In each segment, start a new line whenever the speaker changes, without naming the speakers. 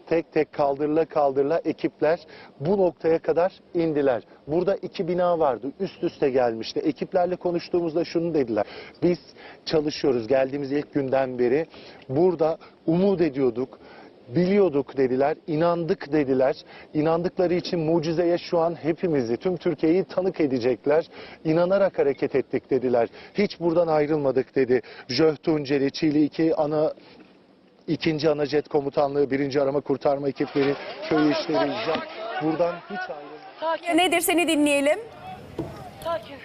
tek tek kaldırıla kaldırıla ekipler bu noktaya kadar indiler. Burada 2 bina vardı, üst üste gelmişti. Ekiplerle konuştuğumuzda şunu dediler: biz çalışıyoruz geldiğimiz ilk günden beri, burada umut ediyorduk, biliyorduk dediler, inandık dediler. İnandıkları için mucizeye şu an hepimizi, tüm Türkiye'yi tanık edecekler. İnanarak hareket ettik dediler. Hiç buradan ayrılmadık dedi. JÖH Tunceli, Çiğli 2. Ana Jet Komutanlığı, 1. Arama Kurtarma ekipleri, köy işleri, JAK buradan hiç ayrılmadık.
Nedir, seni dinleyelim.
Sakin.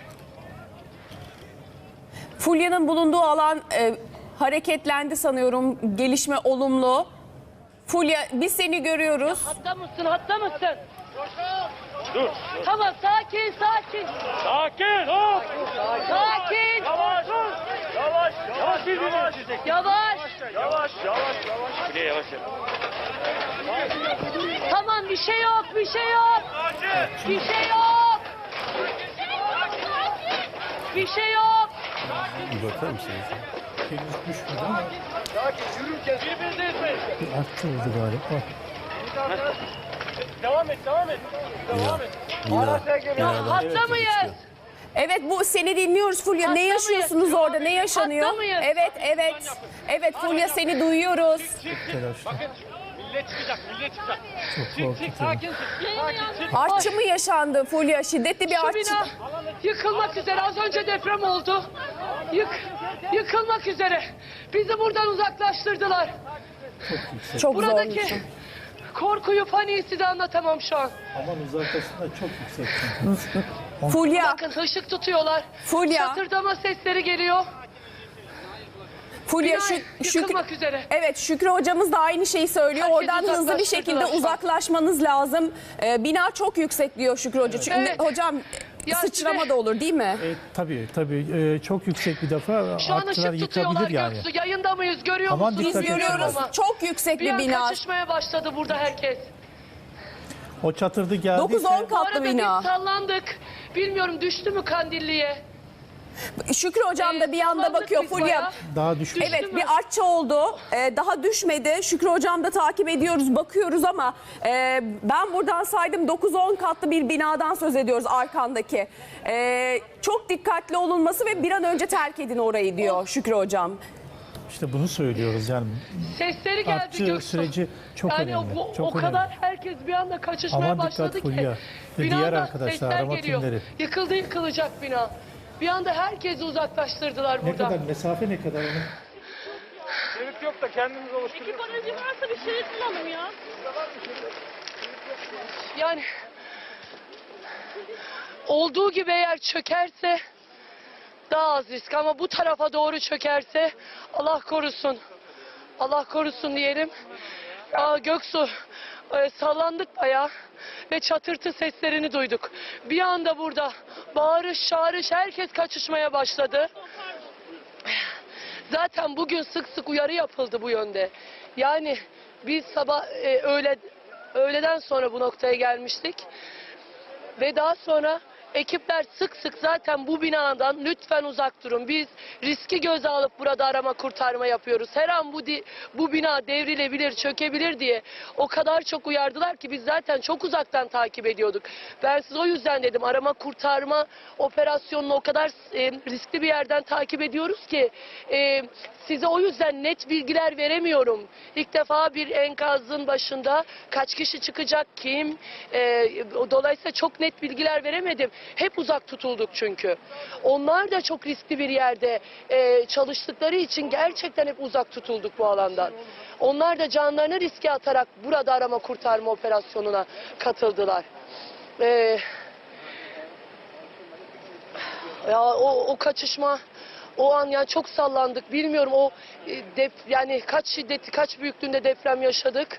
Fulya'nın bulunduğu alan hareketlendi sanıyorum. Gelişme olumlu. Fulya, biz seni görüyoruz.
Hatta mısın? Hatta mısın? Dur. Tamam, sakin, sakin.
Sakin ol.
Sakin.
Yavaş. Yavaş. Yavaş. Yavaş.
Yavaş.
Yavaş. Yavaş. Bile yavaş.
Tamam, bir şey yok, bir şey yok. Bir şey yok. Bir şey yok.
Bir bakar mısınız?
Henüz düşmedi ama
Birbirinize etmeyin.
bir artçı oldu galiba.
Devam et. Devam et. Devam et.
Hatta mıyız?
Evet, bu seni dinliyoruz Fulya.
Hatta
Ne yaşıyorsunuz
mıyız?
orada? Ne yaşanıyor?
Hatta mıyız?
Evet, evet. Evet Fulya, seni duyuyoruz.
Telaşlı.
Millet çıkacak. Millet çıkacak.
Çok
Çık.
korkutucu.
Sakin. Sakin.
Artçı mı yaşandı Fulya? Şiddetli bir
Şu
artçı.
bina yıkılmak üzere. Az önce deprem oldu. Yıkılmak üzere. Bizi buradan uzaklaştırdılar.
Çok zor.
Buradaki korkuyu, paniği size anlatamam şu an.
Aman uzaklaşsın da çok yüksek.
Fulya,
Bakın, ışık tutuyorlar.
Fulya.
Çatırdama sesleri geliyor.
Fulya,
Bina yıkılmak üzere.
Evet, Şükrü hocamız da aynı şeyi söylüyor.
Herkes
Oradan hızlı bir şekilde
uzaklaştırdılar şu an.
uzaklaşmanız lazım. Bina çok yüksek diyor Şükrü Hoca. Çünkü
Evet.
hocam
Ya
sıçrama
size-
da olur değil mi?
Tabii çok yüksek bir defa
Şu an
artçılar
ışık tutuyorlar
yıkabilir yani.
Göksu. Yayında mıyız? Görüyor
Aman
musunuz?
dikkat
Biz
edin.
görüyoruz.
Ama
Çok yüksek
bir
bir
an
bina.
kaçışmaya başladı burada herkes.
O çatırdı geldiyse
9-10
Bu
katlı
arada
bina.
biz sallandık. Bilmiyorum, düştü mü Kandilli'ye?
Şükrü hocam da bir yanda
Sallandık
bakıyor
biz
Fulya.
bayağı.
daha düşmüş.
Düştü
Evet,
mü?
bir artçı oldu. Daha düşmedi. Şükrü hocam da takip ediyoruz, bakıyoruz ama ben buradan saydım 9-10 katlı bir binadan söz ediyoruz arkandaki. Çok dikkatli olunması ve bir an önce terk edin orayı diyor Şükrü hocam.
İşte bunu söylüyoruz yani.
Sesleri geldi
Artçı
Göksu.
süreci çok
yani
önemli.
o
Çok
kadar
önemli.
herkes bir anda kaçışmaya
Aman
başladı
dikkat
ki.
Fulya ve
Binadan
diğer arkadaşlar,
sesler
arama
geliyor.
timleri.
Yıkıldı, yıkılacak bina. Bir anda herkesi uzaklaştırdılar
Ne
buradan.
kadar mesafe ne kadar onun?
Şerit yok da kendimiz oluşturuyoruz.
Ekip aracı varsa bir şerit bulalım ya.
Yani olduğu gibi eğer çökerse daha az risk, ama bu tarafa doğru çökerse Allah korusun. Allah korusun diyelim. Göksu, sallandık bayağı ve çatırtı seslerini duyduk. Bir anda burada bağırış çağırış, herkes kaçışmaya başladı. Zaten bugün sık sık uyarı yapıldı bu yönde. Yani biz sabah öğleden sonra bu noktaya gelmiştik. Ve daha sonra ekipler sık sık zaten bu binadan lütfen uzak durun. Biz riski göze alıp burada arama kurtarma yapıyoruz. Her an bu bina devrilebilir, çökebilir diye o kadar çok uyardılar ki biz zaten çok uzaktan takip ediyorduk. Ben size o yüzden dedim, arama kurtarma operasyonunu o kadar riskli bir yerden takip ediyoruz ki size o yüzden net bilgiler veremiyorum. İlk defa bir enkazın başında kaç kişi çıkacak, kim? Dolayısıyla çok net bilgiler veremedim. Hep uzak tutulduk çünkü. Onlar da çok riskli bir yerde çalıştıkları için gerçekten hep uzak tutulduk bu alandan. Onlar da canlarını riske atarak burada arama kurtarma operasyonuna katıldılar. Ya o kaçışma, o an yani çok sallandık. Bilmiyorum yani kaç şiddeti, kaç büyüklüğünde deprem yaşadık.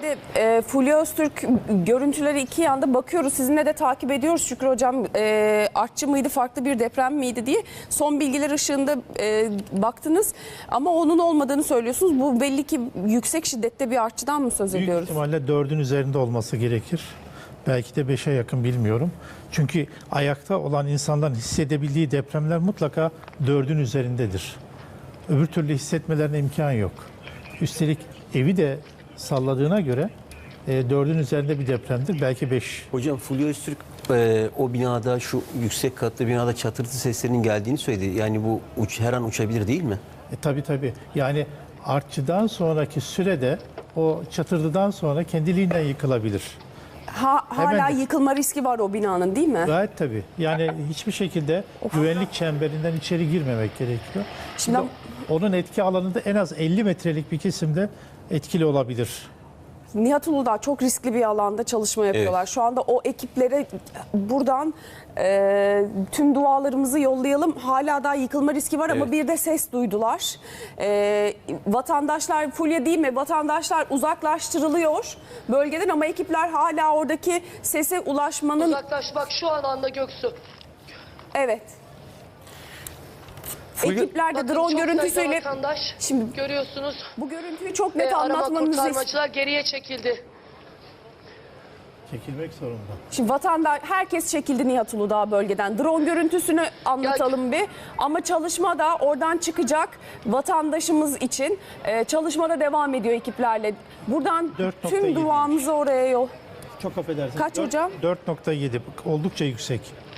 Şimdi Fulya Öztürk görüntüleri iki yanda bakıyoruz. Sizinle de takip ediyoruz Şükrü Hocam. Artçı mıydı, farklı bir deprem miydi diye. Son bilgiler ışığında baktınız ama onun olmadığını söylüyorsunuz. Bu belli ki yüksek şiddette bir artçıdan mı söz
Büyük
ediyoruz?
ihtimalle 4'ün üzerinde olması gerekir. Belki de 5'e yakın, bilmiyorum. Çünkü ayakta olan insanların hissedebildiği depremler mutlaka 4'ün üzerindedir. Öbür türlü hissetmelerine imkan yok. Üstelik evi de salladığına göre 4'ün üzerinde bir depremdir. Belki 5.
Hocam Fulya Öztürk o binada, şu yüksek katlı binada çatırtı seslerinin geldiğini söyledi. Yani bu her an uçabilir değil mi?
Tabii. Yani artçıdan sonraki sürede o çatırdıdan sonra kendiliğinden yıkılabilir.
Hala
Hemen-
yıkılma riski var o binanın, değil mi?
Gayet tabii. Yani hiçbir şekilde güvenlik çemberinden içeri girmemek gerekiyor.
Şimdi-
Onun etki alanında en az 50 metrelik bir kesimde etkili olabilir.
Nihat Uludağ çok riskli bir alanda çalışma yapıyorlar.
Evet.
Şu anda o ekiplere buradan tüm dualarımızı yollayalım. Hala daha yıkılma riski var ama
Evet.
bir de ses duydular. Vatandaşlar, Fulya değil mi? Vatandaşlar uzaklaştırılıyor bölgeden ama ekipler hala oradaki sese ulaşmanın...
Uzaklaş bak şu anda Göksu.
Evet. Ekipler de
Bakın
drone
çok sayıda
görüntüsüyle...
vatandaş
Şimdi
görüyorsunuz.
bu görüntüyü çok net
Arama
anlatmanızı istiyorum.
kurtarmacılar geriye çekildi.
Çekilmek zorunda.
Şimdi herkes çekildi Nihat Uludağ bölgeden. Drone görüntüsünü anlatalım bir. Ama çalışma da oradan çıkacak vatandaşımız için. Çalışma da devam ediyor ekiplerle. Buradan
4.7.
tüm duamızı oraya yol.
Çok affedersiniz.
Kaç hocam?
4.7 oldukça yüksek.